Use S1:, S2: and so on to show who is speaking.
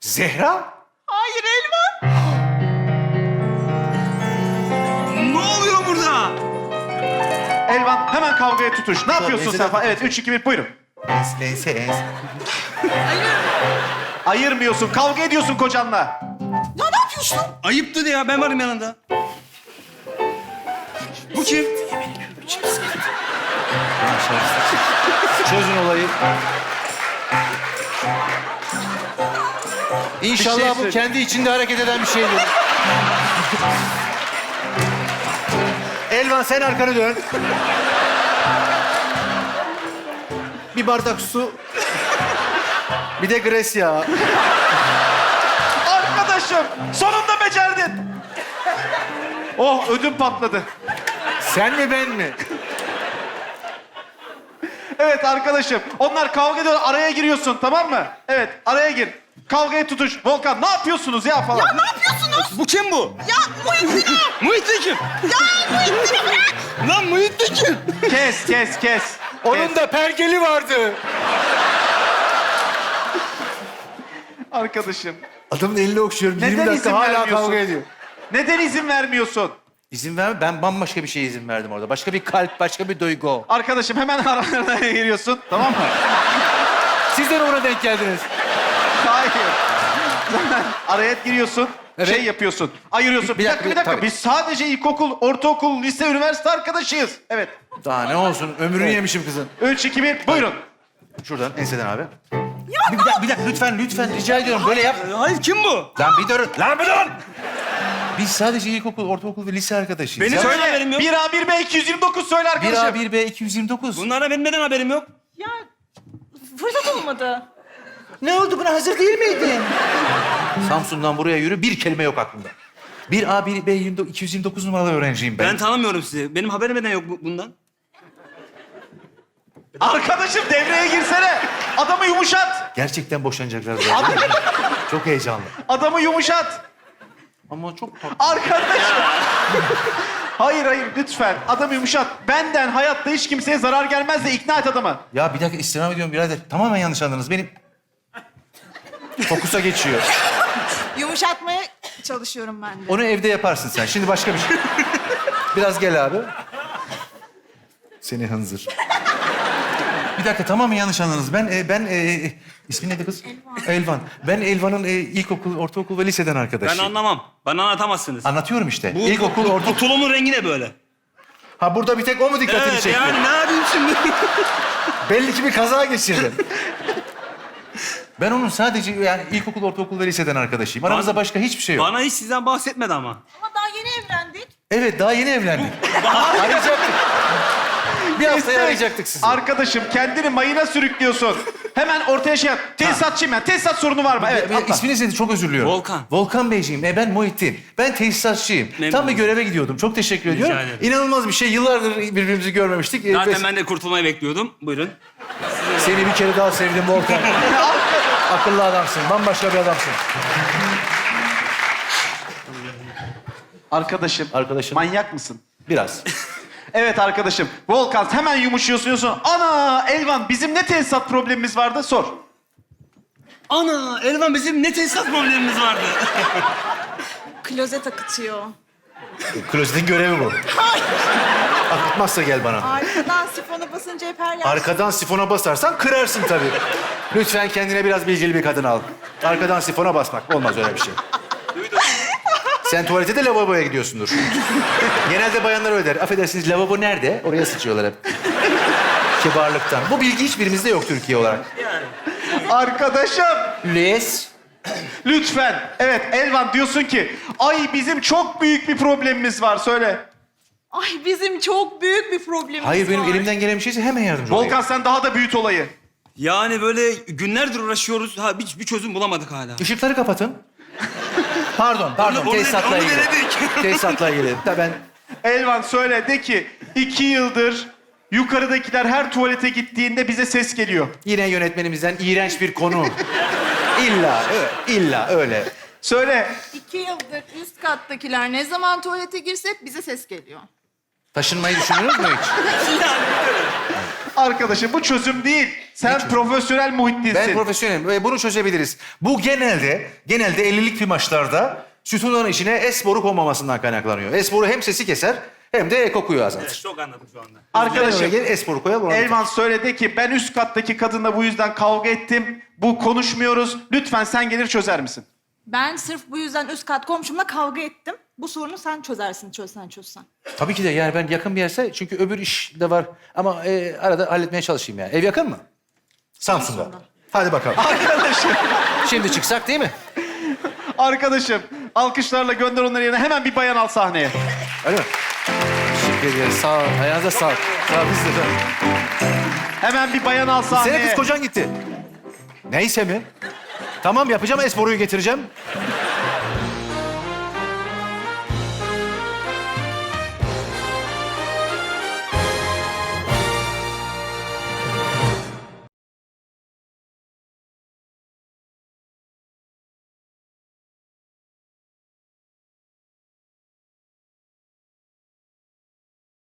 S1: Zehra?
S2: Hayır Elvan.
S3: Ne oluyor burada?
S4: Elvan hemen kavgaya tutuş. Ne yapıyorsun
S1: neyse,
S4: sen?
S1: tamam.
S4: Evet 3, 2, 1 buyurun.
S1: Ense.
S4: Ayırmıyorsun. Kavga ediyorsun kocanla.
S2: Ya ne yapıyorsun?
S3: Ayıptı ya, ben varım yanında. Bu kim?
S1: Çözün olayı. İnşallah
S4: Bir şey
S1: bu
S4: söyle.
S1: kendi içinde hareket eden bir şeydir. Elvan sen arkanı dön. Bir bardak su. Bir de gres yağı.
S4: Arkadaşım sonunda becerdin. Oh ödüm patladı.
S1: Sen mi ben mi?
S4: Evet arkadaşım onlar kavga ediyor araya giriyorsun tamam mı? Evet araya gir. Kavgaya tutuş. Volkan ne yapıyorsunuz ya falan.
S2: Ya ne yapıyorsunuz?
S3: Bu kim bu?
S2: Ya Muhittin!
S3: Muhittin kim?
S2: Ya Muhittin'i bırak!
S3: Lan Muhittin kim?
S4: Kes.
S1: Onun da pergeli vardı.
S4: Arkadaşım
S1: Adamın elini okşuyorum.
S4: Neden
S1: 20 dakika
S4: izin
S1: hala
S4: vermiyorsun?
S1: kavga ediyor.
S4: neden izin vermiyorsun?
S1: İzin verme. Ben bambaşka bir şeye izin verdim orada. Başka bir kalp, başka bir duygu.
S4: Arkadaşım hemen aralarına giriyorsun tamam mı?
S1: Siz de ona denk geldiniz.
S4: Hayır. Hemen araya giriyorsun.
S1: Evet.
S4: Şey yapıyorsun. Ayırıyorsun. Bir dakika.
S1: tabii.
S4: Biz sadece ilkokul, ortaokul, lise, üniversite arkadaşıyız. Evet.
S1: Daha ne olsun? Ömrünü yemişim kızın.
S4: 3, 2, 1 buyurun.
S1: Şuradan enseden abi. Bir dakika lütfen rica ediyorum böyle yap.
S3: Hayır, kim bu?
S1: Lan bir durun. Lan bir durun. Biz sadece ilkokul, ortaokul ve lise arkadaşıyız.
S3: Beni
S1: Ya.
S3: söyle. haberim yok.
S4: 1A, 1B, 229 söyle arkadaşım.
S1: 1A, 1B, 229.
S3: Bunlara benim neden haberim yok?
S2: Ya fırsat olmadı.
S1: Ne oldu buna hazır değil miydin? Samsun'dan buraya yürü bir kelime yok aklımda. 1A, 1B, 229 numaralı öğrenciyim ben.
S3: Ben tanımıyorum sizi. Benim haberim neden yok bundan?
S4: Arkadaşım devreye girsene. Adamı yumuşat.
S1: Gerçekten boşanacaklar zaten. Çok heyecanlı.
S4: Adamı yumuşat.
S1: Ama çok tatlı.
S4: Arkadaşım. Hayır lütfen. Adamı yumuşat. Benden hayatta hiç kimseye zarar gelmez de ikna et adamı.
S1: Ya bir dakika istirham ediyorum birader. Tamamen yanlış anladınız. Benim fokusa geçiyor.
S2: Yumuşatmaya çalışıyorum ben de.
S1: Onu evde yaparsın sen. Şimdi başka bir şey. Biraz gel abi. Seni hınzır. Bir dakika tamamen yanlış anladınız. Ben ismin neydi kız? Elvan. Ben Elvan'ın ilkokul, ortaokul ve liseden
S3: Ben
S1: arkadaşıyım.
S3: anlamam. Bana anlatamazsınız.
S1: Anlatıyorum işte.
S3: Bu,
S1: İlkokul,
S3: bu
S1: ortaokul.
S3: tulumun rengi ne böyle?
S1: Ha burada bir tek o mu dikkatini
S3: Evet,
S1: çekti?
S3: yani ne yapayım şimdi?
S1: Belli ki bir kaza geçirdin. Ben onun sadece yani ilkokul, ortaokul ve liseden arkadaşıyım. Aramızda başka hiçbir şey yok.
S3: Bana hiç sizden bahsetmedi ama.
S2: Ama daha yeni evlendik.
S1: Evet, daha yeni evlendik. Arayacaktık. Bir haftaya arayacaktık sizi.
S4: Arkadaşım kendini mayına sürüklüyorsun. Hemen ortaya şey yap. Tesisatçıyım ben. Tesisat sorunu var mı? Evet atla.
S1: İsminiz neydi? Çok özür diliyorum.
S3: Volkan.
S1: Volkan Beyciğim. Ben Muhittin. Ben tesisatçıyım.
S3: Memnun
S1: Tam bir
S3: oldum.
S1: göreve gidiyordum. Çok teşekkür ediyorum.
S3: ederim.
S1: İnanılmaz bir şey. Yıllardır birbirimizi görmemiştik.
S3: Zaten ben de kurtulmayı bekliyordum. Buyurun.
S1: Seni bir kere daha sevdim Volkan. Akıllı adamsın. Bambaşka bir adamsın.
S4: Arkadaşım.
S1: Arkadaşım.
S4: Manyak mısın?
S1: Biraz.
S4: Evet arkadaşım. Volkan hemen yumuşuyorsun diyorsun. Ana Elvan bizim ne tesisat problemimiz vardı? Sor.
S3: Ana, Elvan bizim ne tesisat problemimiz vardı.
S2: Klozet akıtıyor.
S1: Klozetin görevi bu. Akıtmazsa gel bana.
S2: Arkadan sifona basınca hep her yer...
S1: Arkadan sifona basarsan kırarsın tabii. Lütfen kendine biraz bilgili bir kadın al. Arkadan sifona basmak olmaz öyle bir şey. Sen tuvalete de lavaboya gidiyorsundur. Genelde bayanlar öyle der. Affedersiniz lavabo nerede? Oraya sıçıyorlar hep. Kibarlıktan. Bu bilgi hiçbirimizde yok Türkiye olarak.
S4: Arkadaşım.
S1: Les.
S4: Lütfen. Evet Elvan diyorsun ki ay bizim çok büyük bir problemimiz var. Söyle.
S2: Ay bizim çok büyük bir problemimiz
S1: Hayır benim
S2: var.
S1: elimden gelen bir şeyse hemen yardımcı olayım.
S4: Volkan sen daha da büyüt olayı.
S3: Yani böyle günlerdir uğraşıyoruz. Ha bir çözüm bulamadık hala.
S1: Işıkları kapatın. Pardon.
S3: Onu
S1: Tesisatla ilgili.
S3: denedik.
S1: Tesisatla ilgili. Da ben
S4: Elvan söyle de ki 2 yıldır yukarıdakiler her tuvalete gittiğinde bize ses geliyor.
S1: yine yönetmenimizden iğrenç bir konu. İlla öyle.
S4: Söyle.
S2: 2 yıldır üst kattakiler ne zaman tuvalete girse bize ses geliyor.
S1: Taşınmayı düşünüyoruz mu hiç?
S4: Arkadaşım bu çözüm değil. Sen profesyonel Muhittin'sin.
S1: Ben profesyonelim ve bunu çözebiliriz. Bu genelde 50'lik bir maçlarda sütunların içine S boru konmamasından kaynaklanıyor. S boru hem sesi keser hem de kokuyu azaltır.
S3: Çok anladım şu anda.
S4: Arkadaşım
S1: Gel S boru koyalım. ona
S4: Elvan söyledi ki ben üst kattaki kadınla bu yüzden kavga ettim. Bu konuşmuyoruz. Lütfen sen gelir çözer misin?
S2: Ben sırf bu yüzden üst kat komşumla kavga ettim. Bu sorunu sen çözersin, çözsen.
S1: Tabii ki de yani ben yakın bir yerse çünkü öbür iş de var. Ama arada halletmeye çalışayım yani. Ev yakın mı? Samsun'da. Hadi bakalım.
S4: Arkadaşım,
S1: Şimdi çıksak değil mi?
S4: arkadaşım. Alkışlarla gönder onları yerine. Hemen bir bayan al sahneye.
S1: Öyle mi? Teşekkür ederiz. Sağ ol. Ayağınıza sağlık. Sağ ol. Biz de.
S4: Hemen bir bayan al sahneye.
S1: Senin kız kocan gitti. Neyse mi? Tamam yapacağım. S boruyu getireceğim.